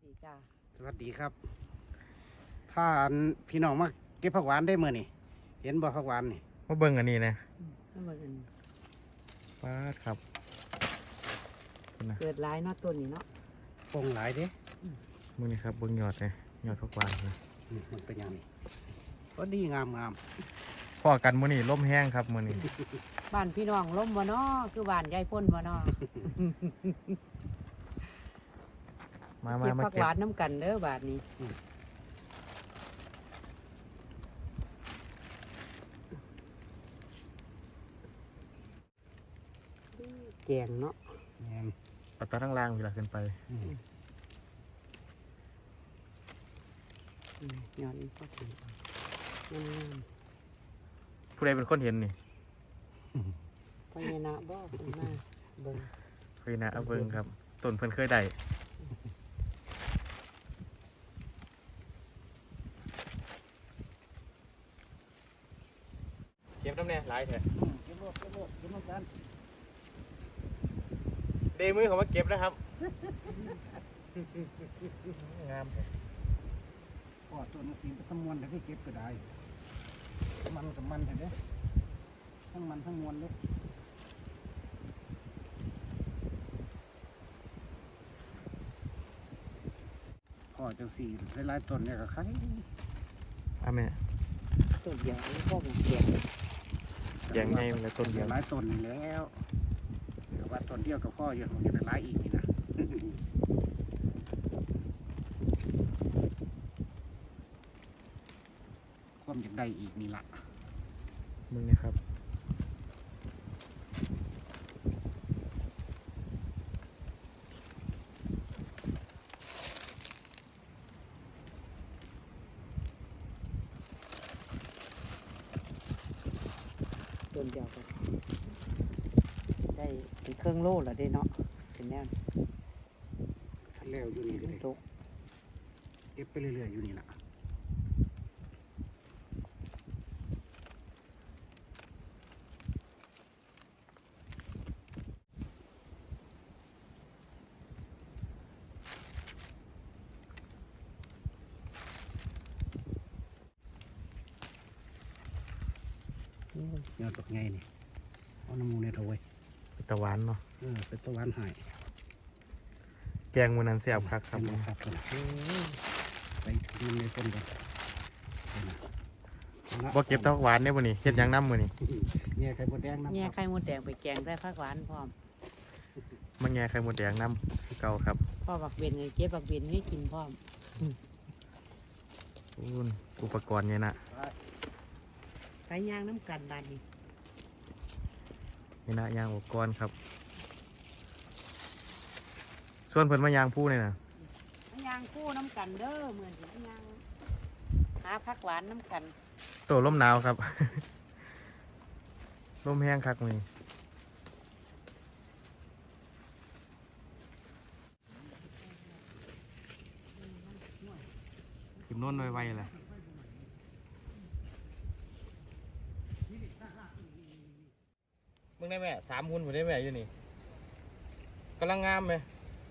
ดีจ้าสวัสดีครับพาพี่น้องมาเก็บผักหวานได้เมื่อนี่เห็นบ่ผักหวานนี่มาเบิ่งอันนี้นะน้ำมันป้าดครับเกิดหลายเนาะต้นนี้เนาะปงหลายเด้มึงนี่ครับเบิ่งยอดเลยยอดผักหวานนะมันเป็นอย่างนี้ก็ดีงามพอกันมื้อนี้ลมแห้งครับมื้อนี้บ้านพี่น้องล้มบ่เนาะคือบ้านยายพ่นบ่เนาะมาเก็บผักหวานน้ำกันเด้อบาทนี้แกงเนาะปัตตาทั้งล่างเวลาขึ้นไปย้อนก็ถึงผู้ใดเป็นคนเห็นนี่พญานาคบ่ขึ้นมาเบิ่งพญานาคเบิ่งครับต้นเพิ่นเคยได้เก็บน้ำแน่หลายแท้เก็บน้ำกันเดมือเขามาเก็บนะครับงามพ่อต้นสีเป็นตะมวนแต่ที่เก็บก็ได้มันกับมันเด้ทั้งมันทั้งมวลเลยพ่อจังสีหลายต้นเนี่ยก็ใครแม่ต้นเดียวก็เป็นแกงแกงไงมันต้นเดียวหลายต้นนี่แล้วเดี๋ยวว่าต้นเดียวกับพ่ออยู่มันจะเป็นหลายอีกนี่นะความอยากได้อีกนี่ละมึงนะครับต้นเดียวกันได้เป็นเครื่องโล่แล้วได้เนาะเป็นแนวทันแล้วอยู่นี่เลยเก็บไปเรื่อยๆอยู่นี่ละยอดตกไงนี่เอาน้ำมูเนี่ยเอาไว้เป็นตะวันเนาะเป็นตะวันหายแกงมันนั้นเสียบครับใส่ถุงในต้นก่อนบ่เก็บตะวันเนี่ยบ่นี่เฮ็ดยังน้ำมื้อนี่แง่ไข่มดแดงน้ำแง่ไข่มดแดงไปแกงได้ผักหวานพร้อมมันแง่ไข่มดแดงน้ำเก่าครับพ่อบักเบนเก็บบักเบนให้กินพร้อมอุปกรณ์เนี่ยนะไปย่างน้ำกันบานนี้นี่นะย่างอุปกรณ์ครับส่วนเพิ่นมายางผู้เนี่ยนะย่างคู่น้ำกันเด้อเหมือนที่ย่างหาผักหวานน้ำกันตัวลมหนาวครับลมแห้งคักมือขึ้นโน่นไวๆเลยมึงได้แม่3 หุ่นผมได้แม่อยู่นี่กำลังงามไหม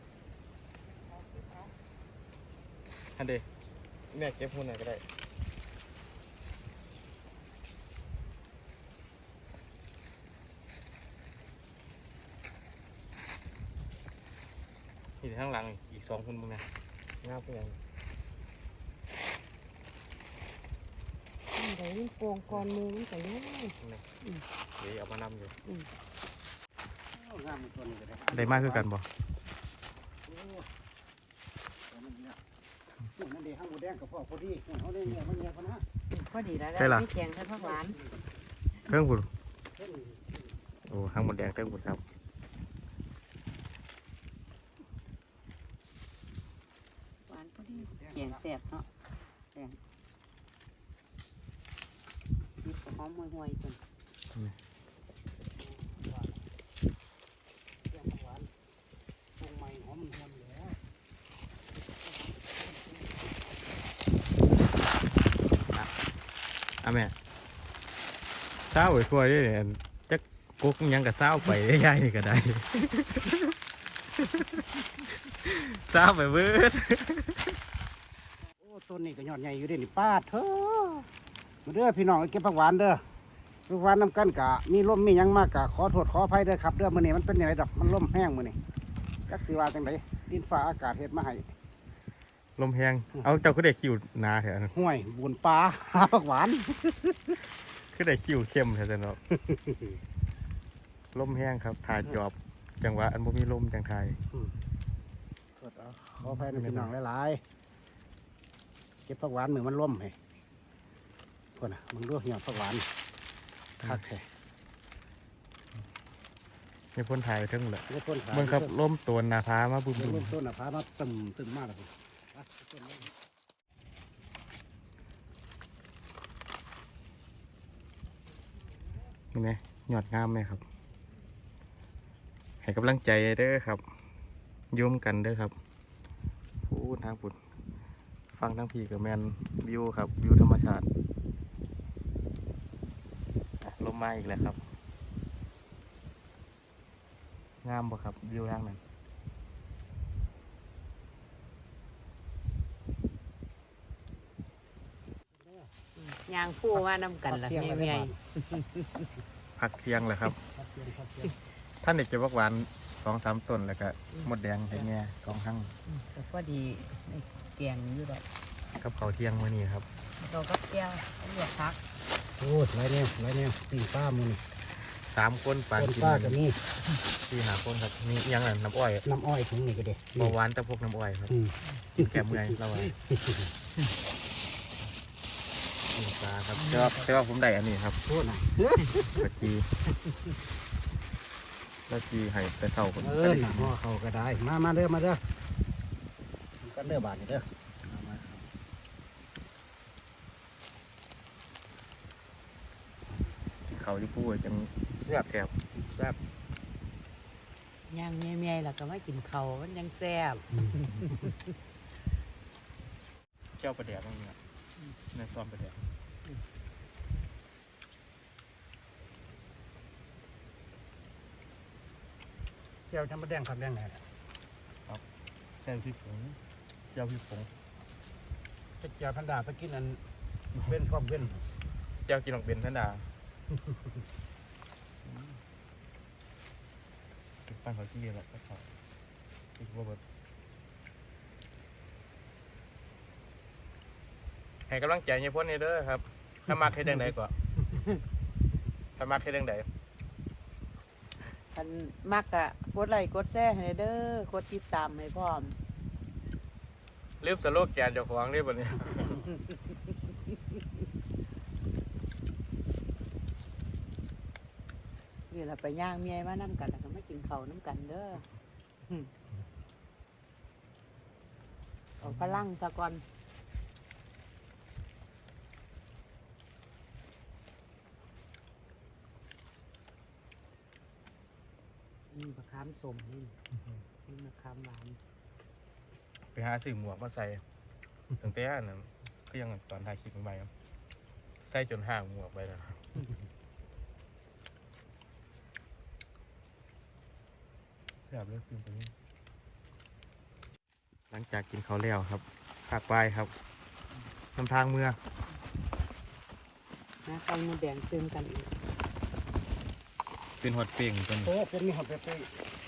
อันเดแม่เก็บหุ่นหน่อยก็ได้นี่ข้างหลังอีก2 หุ่นมึงนะงามเพื่อนเดี๋ยวนี่โป่งก่อนมือมันใส่เลยเดี๋ยวเอามานำอยู่ได้มากคือกันบ่นั่นเดี๋ยวห้างหมูแดงกับพ่อพอดีเขาได้เนี่ยมันเนี่ยพอนะพอดีแล้วไม่แกงใส่ผักหวานเครื่องบุญโอ้ห้างหมดแดงเครื่องบุญครับหวานพอดีแกงแซ่บเนาะแกงมีหอมห่วยๆจนแม่เศร้าไปทั่วด้วยเนี่ยจักกุ๊กยังกับเศร้าไปได้ย่ายนี่ก็ได้เศร้าไปเบิดต้นนี้ก็ยอดใหญ่อยู่เด้นี่ป้าดเถอะมาเด้อพี่น้องเก็บผักหวานเด้อผักหวานน้ำกันกะมีลมมีหยังมากกะขอโทษขออภัยเด้อครับเด้อมื้อนี้มันเป็นยังไงดอกมันลมแห้งมื้อนี้จักสิว่าจังไดดินฟ้าอากาศเฮ็ดมาให้ลมแห้งเอาเจ้าคือได้คิวหนาแท้ห้วยบุญปลา หาผักหวานคือได้คิวเข้มแท้เนาะ ลมแห้งครับถ่ายจอบจังหวะอันบ่มีลมจังไทยโทษเอาขออภัยนะพี่น้องหลายๆเก็บผักหวานมือมันล่มให้พวกน่ะมึงดูเหี่ยวผักหวานคักแท้มีคนถ่ายไปทั้งหมดเดี๋ยวต้นขาเบิ่งครับลมตัวหนาพามาบุ้มเดี๋ยวต้นน่ะพามาตึมมากเลยๆนี่ไงยอดงามไหมครับ ให้กำลังใจเด้อครับโยมกันเด้อครับพูดทางพุดฟังทั้งพี่กับแมนวิวครับวิวธรรมชาติลมมาอีกแล้วครับ งามบ่ครับวิวทางนั้นยางผู้ว่าน้ำกันล่ะเมียพักเที่ยงเลยครับ ท่านเด็กเก็บผักหวาน2-3ต้นแล้วก็หมดแดงให้แง่2หั่งก็พอดีในแกงอยู่ดอกกับข้าวเที่ยงมื้อนี้ครับเราก็แก้วเลือกพักโอ้ยไรเนี่ยปีนป้ามือนี่ 3 คนปานต้นกินป้าก็มี 4-5 คนครับมีอิหยังน่ะน้ำอ้อยน้ำอ้อยถุงนี่ก็เด็เบาหวานแต่พวกน้ำอ้อยครับอืมกินแก้เมื่อยเราว่ากินปลาครับแต่ว่าผมได้อันนี้ครับโทษนะกะจีแล้วจีให้แต่เช้าคนเออน่ะห่อเขาก็ได้มาเด้อกันเด้อบาทนี่เด้อเขาที่พูดจังแซ่บย่างเมียๆแล้วก็มากินเขาวมันยังแซ่บเจ้าประเดี๋ยวบ้างเนี่ยในซ้อมประเดี๋ยวเจ้าจะมาแดงครับแดงไหนเจ้าพี่ผงเจ้าพี่ผงจะเจ้าพันดาไปกินอันเว้นพร้อมเว้นเจ้ากินหลอกเบนท่านดาปั้นเขาที่แล้วก็เขาอีกว่าแบบให้กำลังใจเนี่ยพ่นนี่เด้อครับ ถ้ามักให้ดังใดก่อนถ้ามักให้ดังใดคันมักอะกดไลค์กดแชร์ให้เด้อกดติดตามให้พร้อมลืมสโลแกนเจ้าของนี่บ่เนี่ยนี่ล่ะไปย่างเมียมาน้ำกันแล้วก็มากินเขาวน้ำกันเด้อเอาพลังซะก่อนนี่มะขามสมนี่มะขามหวานไปหาซื้อหมวกมาใส่ตั้งแต่อันนั้นก็ยังตอนถ่ายคลิปใหม่ๆครับใส่จนห่างหมวกไปแล้วแบบเลือกฟิล์มตัวนี้หลังจากกินข้าวแล้วครับภาคปลายครับนำทางเมื่อนะไข่มดแดงเติมกันอีกเป็นฮอตเป่งจนโอ้เป็นมีหอดเป๊ะ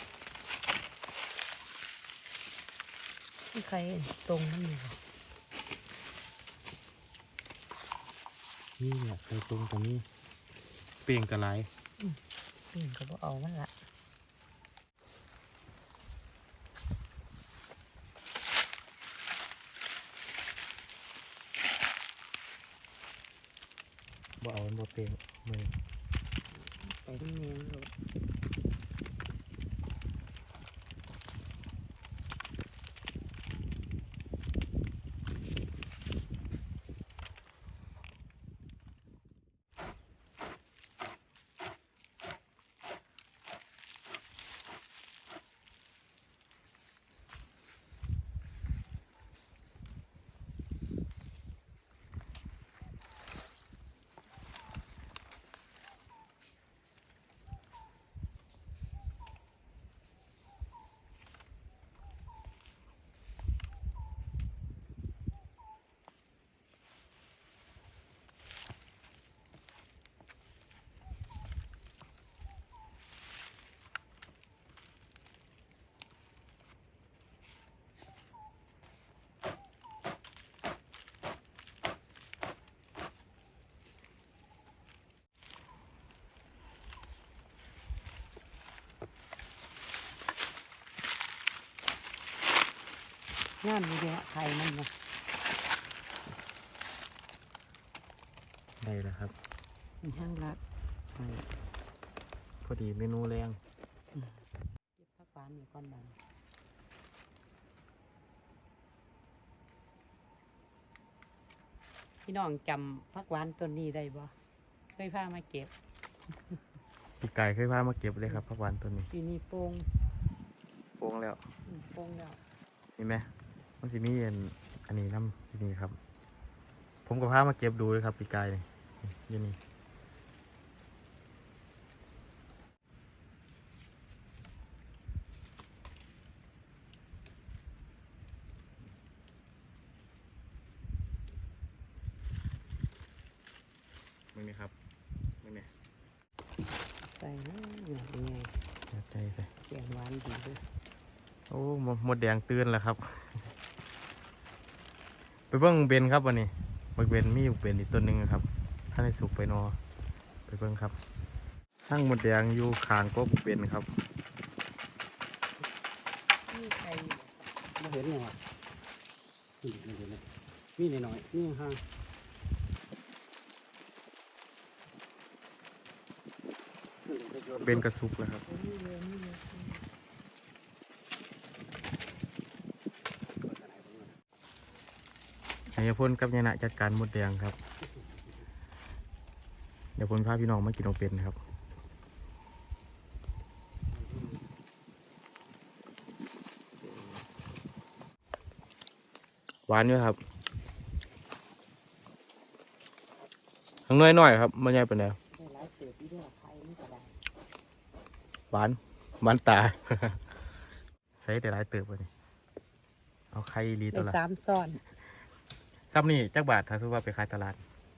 ที่ไข่ตรงนั่นเองนี่แหละเคยตรงตรงนี้เป่งกระไรก็บ่เอามันละบ่เอามันบ่เป่งมือไปที่เมียรถงามอยู่เดียวไข่มันนะได้แล้วครับมีห้างรักไข่พอดีเมนูแรงเก็บผักหวานอยู่ก้อนบันพี่น้องจำผักหวานต้นนี้ได้บ่เคยพามาเก็บพี่ไก่เคยพามาเก็บเลยครับผักหวานตัวนี้ปีนี้โป่งโป่งแล้วโป่งแล้วเห็นไหมมันสิมีอันนี้น้ำที่นี่ครับ ผมก็พามาเก็บดูเลยครับพี่ไก่นี่อยู่นี่มึงนี่ครับมึงนี่ใส่นะเนี่ยเป็นไงจัดใจใส่เสียงหวานดีด้วยโอ้หมดแดงตื่นแล้วครับ ไปเบิ้งเบนครับวันนี้บักเบนมีอยู่เบนอีกต้นหนึ่งครับถ้าในสุกไปนอไปเบิ้งครับทั้งหมดแดงอยู่ขางก็บักเบนครับนี่ไข่มาเห็นยังวะนี่เห็นเลยมีหน่อยๆมีห่างๆเบนกระสุกแล้วครับนี่เลยนี่เลยนายพลกับยานะจัดการหมดแดงครับ เดี๋ยวพลพาพี่น้องมากินเอาเป็นครับหวานอยู่ครับทั้งน้อยหน่อยครับมันใหญ่เป็นแล้วได้หลายเศษที่เรียกว่าไข่นี่ก็ได้หวานตา ใส่แต่หลายเติบเลยเอาไข่ลีตัวได้ละ 3ซ้อนซ้ำนี่จักบาทถ้าซื้อว่าไปขายตลาด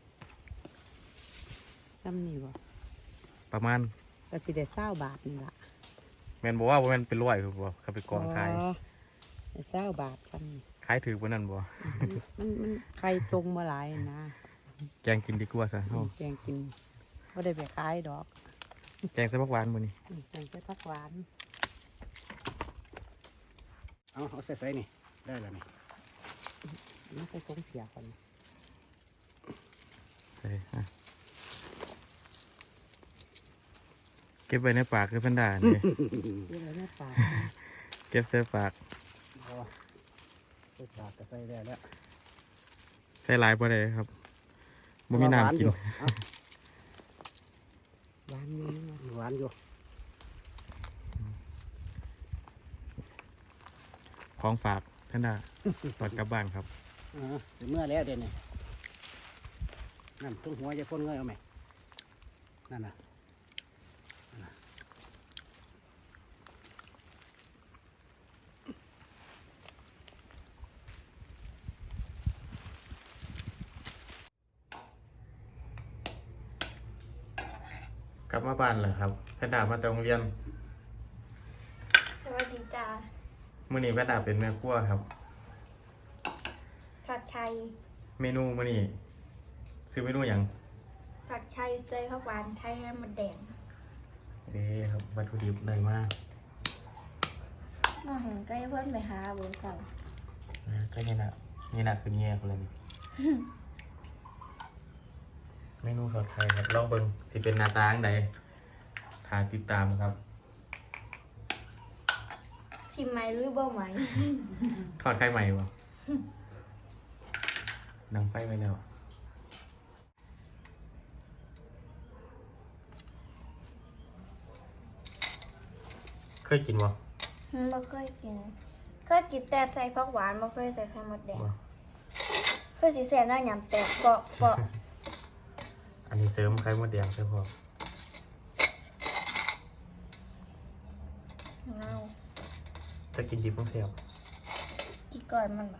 ซ้ำนี่บ่ประมาณก็สิได้20 บาทนี่ล่ะแมนบอกว่าแมนเป็นร้อยคือบ่เขาไปกองขายอ๋อได้20 บาทซ้ำนี่ขายถือบ่นั่นบ่มันไข่ตรงมาหลายนะแกงกินดีกว่าซะเฮาแกงกินบ่ได้ไปขายดอกแกงใส่ผักหวานมื้อนี้แกงใส่ผักหวานเอาใส่นี่ได้แล้วนี่มันใส่ถุงเสียก่อนใส่เก็บไว้ในปากคือเพิ่นด่านี่นี่เลยแม่ปลาเก็บใส่ปากเอาใส่ปากก็ใส่ได้แล้วใส่หลายบ่ได้ครับบ่มีน้ำกินหวานอยู่นะหวานอยู่ของฝากเพิ่นด่าตอนกลับบ้านครับเดี๋ยวเมื่อแล้วเดี๋ยวนี้นั่นตรงหัวจะพ่นเงยเอาไหมนั่นน่ะกลับมาบ้านแล้วครับเพิ่นด่ามาแต่โรงเรียนสวัสดีจ้ามื้อนี้เพิ่นด่าเป็นแม่ครัวครับผัดไข่เมนูมื้อนี้ซื้อเมนูหยังผัดไข่เจยข้าวหวานไทยให้มันแดงเด้ครับวัตถุดิบได้มากน้องเห็นใกล้เพื่อนไปหาเบอร์เก่าก็นี่นะคือแง่คนเลยนี่ เมนูทอดไข่ครับลองเบิ่งสิเป็นหน้าตาจั่งใดถ้าติดตามครับชิมไหมหรือบ่ไหมทอดไข่ใหม่บ่ดังไฟไปแล้วเคยกินบ่ไม่เคยกินเคยกินแต่ใส่ผักหวานไม่เคยใส่ไข่มดแดงบ่เคยสีแสบหน้าหยำแตกเกาะอันนี้เสริมไข่มดแดงใช่พอเน่าถ้ากินดิบต้องเสียบกี่ก่อนมันบ่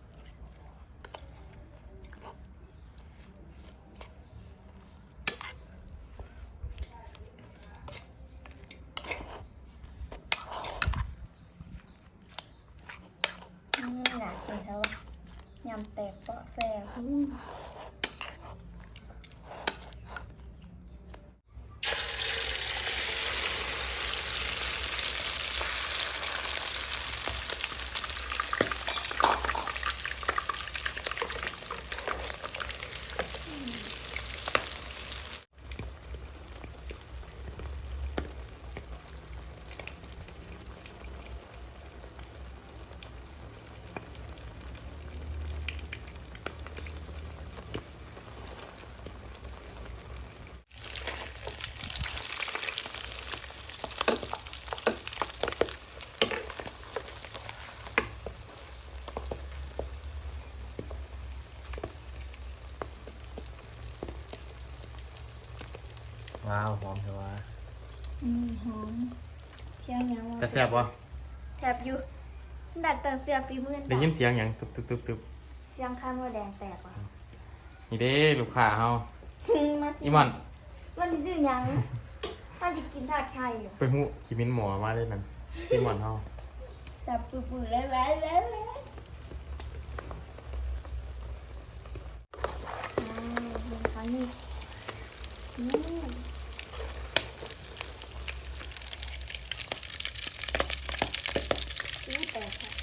หนากินแล้วยำแตกเปาะแซ่บว้าวหอมแต่ว่าหอมเสียงหยังวะแต่แซ่บบ่แสบอยู่ดัดตั้งเสียฝีมือได้ยินเสียงหยังตึบตึบตึบตึบเสียงข้างว่าแดงแตกว่ะนี่เด้ลูกค้าเฮามาสิอีหมอนมันดื้อหยังมันจะกินถาดไข่อยู่ไปหูคิมินหมอมาเลยนั่นอีหมอนเฮาแต่ปื้อๆแล้วแล้วแล้วค่ะนี่แตกค่ะ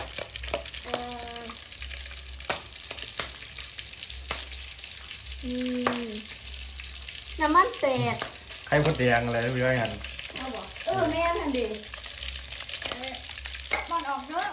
น้ำมันแตกไข่มดแดงอะไรเรื่อยๆกันเอาบอกแม่ทันดีมันออกเถอะ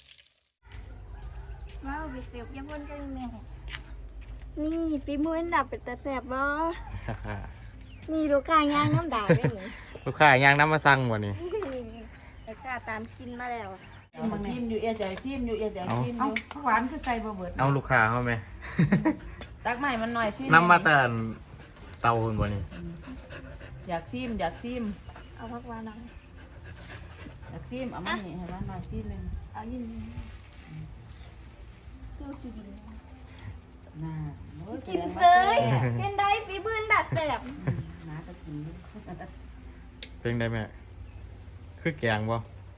ว้าวไปเสียบยังวนกันแม่นี่ฝีมืออันดับเป็นตาแสบบ่นี่ลูกค้าย่างน้ำด่างได้หนิลูกค้าย่างน้ำมาสั่งบ่นี่ลูกค้าตามกินมาแล้วทิมอยู่เอเดี๋ยวทิมอยู่เอเดี๋ยวทิมอเอายู่หวานคือใส่บ่เบิดเอาลูกค้าเฮาไหมตักใหม่มันหน่อยทิมน้ำมาแต่เตาหุ่นบ่นี่อยากทิมอยากทิมเอาพักวานหน่อยอยากทิมเอามานี่ให้มันหน่อยทิมหนึงเอายินดูสิกินน่าโอ้กินเลยเป็นได้ฝีมืออันดับแสบน้าก็กินเป็นได้แม่คือแกงบ่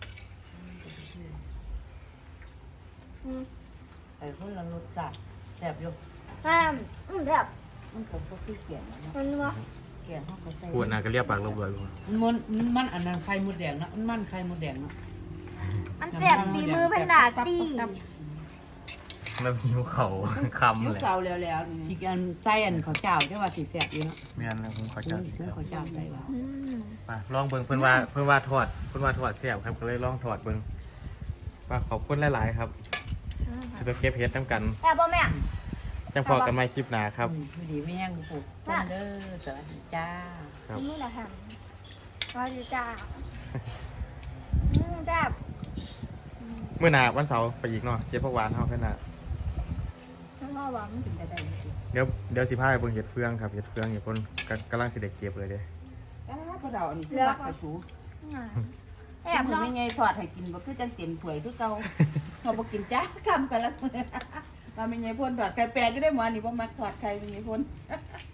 ไอ้คนละรสจัดแซ่บอยู่ห้ามแบบมันก็บ่คือเกี่ยงนะมันวะเกี่ยงเขาก็ใส่พูดน่ะก็เรียกปากเราเบื่ออยู่มันอันนั้นไข่มดแดงเนาะมันไข่มดแดงเนาะมันแสบฝีมือพันดาตีแล้วหิวเขาคำยุคเลยเก่าแล้วๆนี่ที่อันใส่อันข้าวเจ้าที่ว่าสิแซ่บอยู่เนาะแม่นแล้วผมขอซื้จัอดอีกครับข้าวเจ้าใส่ว่ามาลองเบิ่งเพิ่นว่าทอดแซ่บครับก็เลยลองทอดเบิ่งว่าขอบคุณหลายๆครับจะไปเก็บเฮ็ดน้ำกันแอบบ่แม่จังพอกันใหม่คลิปหน้าครับพอดีไม่ยังกูปลูกต้นเด้อสวัสดีจ้าครับนี่แหละค่ะว่าดีจ้าจ้าเมื่อหน้าวันเสาร์ไปอีกเนาะเจ็บพวกหวานเฮาขึ้นน่ะทั้งพ่อหวังกินได้ได้สิเดี๋ยวสิพาไปเบิ่งเห็ดเฟืองครับเห็ดเฟืองอยู่คนกำลังสิได้เก็บเลยเด้อ้าวพอเดาอันนี้คือมักกระชูแอแอบบ เนาะไม่ไงทอดให้กินบ่คือจังเต็มถ้วยคือเก่าเขาบ่กินจ้าคำกันละว่าไม่ไงพ่นทอดไข่แปลกก็ได้หมอนี่บ่มักทอดไข่ไม่ไงพ่น